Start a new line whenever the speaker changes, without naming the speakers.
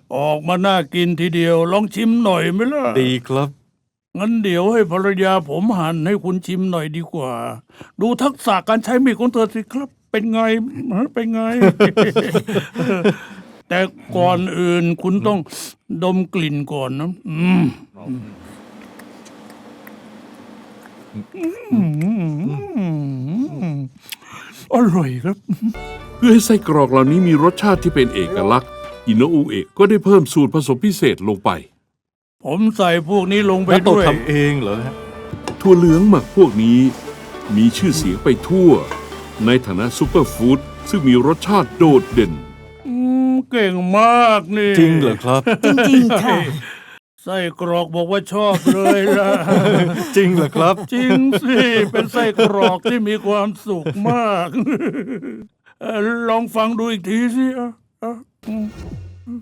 ออกมาน่ากินทีเดียวลองชิมหน่อยไหมล่ะ
ดีครับ
งั้นเดี๋ยวให้ภรรยาผมหั่นให้คุณชิมหน่อยดีกว่า ดูทักษะการใช้มีดของเธอสิครับ เป็นไงเป็นไง แต่ก่อนอื่นคุณต้องดมกลิ่นก่อนนะอร่อยครับ
เพื่อให้ไส้กรอกเหล่านี้มีรสชาติที่เป็นเอกลักษณ์อิโนอุเอะก็ได้เพิ่มสูตรผสมพิเศษลงไป
ผมใส่พวกนี้ลงไป
แล้วต้อง
ด้วย
ทำเองเหรอฮะ
ถั่วเหลืองหมักพวกนี้มีชื่อเสียงไปทั่ว ในฐานะซูเปอร์ฟู้ดซึ่งมีรสชาติโดดเด่น
เก่งมากนี่
จริงเหรอครับ
จริงๆค่ะ
ไส้กรอกบอกว่าชอบเลยล่ะ
จริงเหรอครับ
จริงสิ เป็นไส้กรอกที่มีความสุขมาก ลองฟังดูอีกทีสิ